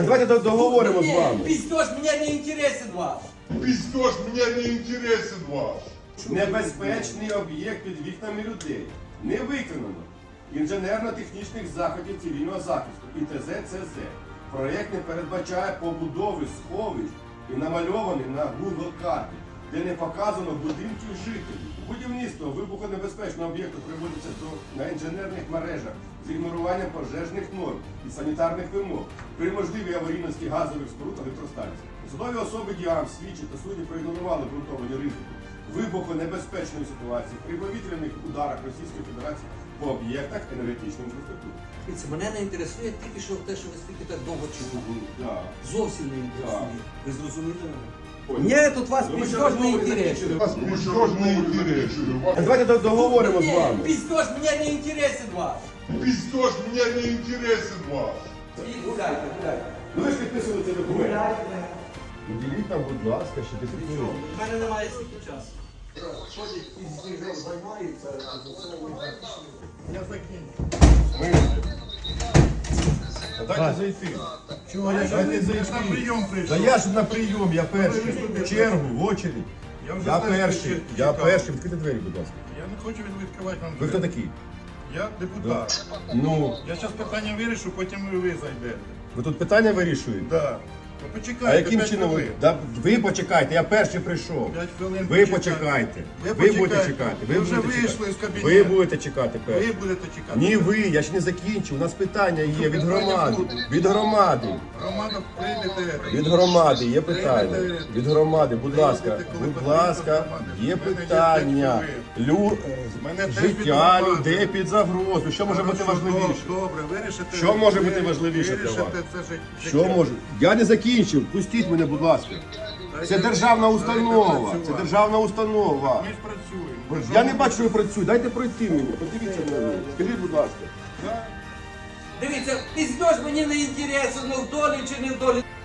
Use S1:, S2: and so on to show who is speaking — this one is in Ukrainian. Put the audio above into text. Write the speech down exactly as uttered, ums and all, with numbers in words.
S1: Давайте договоримо з вами.
S2: Пиздеж, меня не интересен ваш.
S3: Пиздеж, меня не интересен ваш.
S1: Небезпечний об'єкт під вікнами людей. Не виконано інженерно-технічних заходів цивільного захисту І Т З Ц З. Проєкт не передбачає побудови сховищ і намальований на Google карті, де не показано будинків жителів. Будівництво вибухонебезпечного об'єкту приводиться до на інженерних мережах з ігноруванням пожежних норм і санітарних вимог при можливій аварійності газових споруд електростанцій. Судові особи діям, слідчі та судді проігнорували ґрунтовані ризики вибухонебезпечної ситуації при повітряних ударах Російської Федерації по об'єктах енергетичної інфраструктури.
S2: Дивіться, мене не інтересує тільки що те, що ви стільки так довго чули.
S1: Да.
S2: Зовсім не інтересує.
S1: Так.
S2: Ви зрозуміли мене?
S1: Понял.
S2: Ні, тут вас
S1: Ну, ми ще
S2: пиздеж не
S1: розмови не
S2: інтересує.
S3: Вас пиздеж не интересен.
S1: Давайте договоримо з
S2: Ні,
S1: вами.
S2: пиздеж, меня не интересен ваш.
S3: Пиздеж, меня не интересен ваш.
S2: І гуляйте, гуляйте.
S1: Ну ви ж підписували цей документ.
S2: Гуляйте.
S1: Уділіть нам, будь ласка, ще десять
S2: Нічого,
S1: хвилин.
S2: в мене немає стільки часу. Ходять із книжок займаються,
S1: Я закінчу. Дайте зайти.
S4: Чого? Я ж
S1: Дайте зайти.
S4: на прийом
S1: Та
S4: прийшов.
S1: я ж на прийом, я перший. В чергу, в очередь.
S4: Я вже
S1: Я
S4: знаю,
S1: перший,
S4: що
S1: я
S4: чекав.
S1: перший. Відкрийте двері, будь ласка.
S4: Я не хочу відкривати вам
S1: Ви хто
S4: двері.
S1: такий?
S4: Я депутат.
S1: Ну,
S4: Я зараз питання вирішу, потім і ви зайдете.
S1: ви тут питання вирішуєте?
S4: Да. Ну почекайте.
S1: А яким
S4: п'ять
S1: чином ви?
S4: хвилин.
S1: Да, ви почекайте, я перший прийшов.
S4: П'ять хвилин
S1: Ви
S4: почекайте.
S1: почекайте.
S4: Ви
S1: Ви будете
S4: почекайте.
S1: чекати.
S4: Ви вже
S1: будете
S4: вийшли
S1: чекати.
S4: з кабінету.
S1: Ви будете чекати
S4: Ви
S1: перший.
S4: будете чекати.
S1: Ні, ви, я ж не закінчив. У нас питання є від
S4: питання
S1: громади.
S4: будуть?
S1: Від громади.
S4: Громада прийдете.
S1: Від громади є питання.
S4: Прийдете.
S1: Від громади, будь ласка,
S4: Прийдете, коли
S1: будь
S4: потрібно
S1: ласка,
S4: з громади.
S1: є
S4: В мене є
S1: питання.
S4: п'ять
S1: Лю...
S4: Мене теж від
S1: Життя
S4: громади.
S1: людей під загрозу. Що може бути
S4: Хорошо,
S1: важливіше?
S4: Добре, вирішите.
S1: Що може бути
S4: ви-
S1: важливіше для
S4: вирішите
S1: вас?
S4: це життя.
S1: Що може? Я не закінчив. Пустіть мене, будь ласка. Це державна установа. Це державна установа.
S4: Ми ж працюємо.
S1: Я не бачу, що ви працюєте. Дайте пройти мені. Подивіться на мене. Скажіть, будь ласка.
S2: Дивіться, пиздеж мені не інтересен, ну в долі чи не в долі.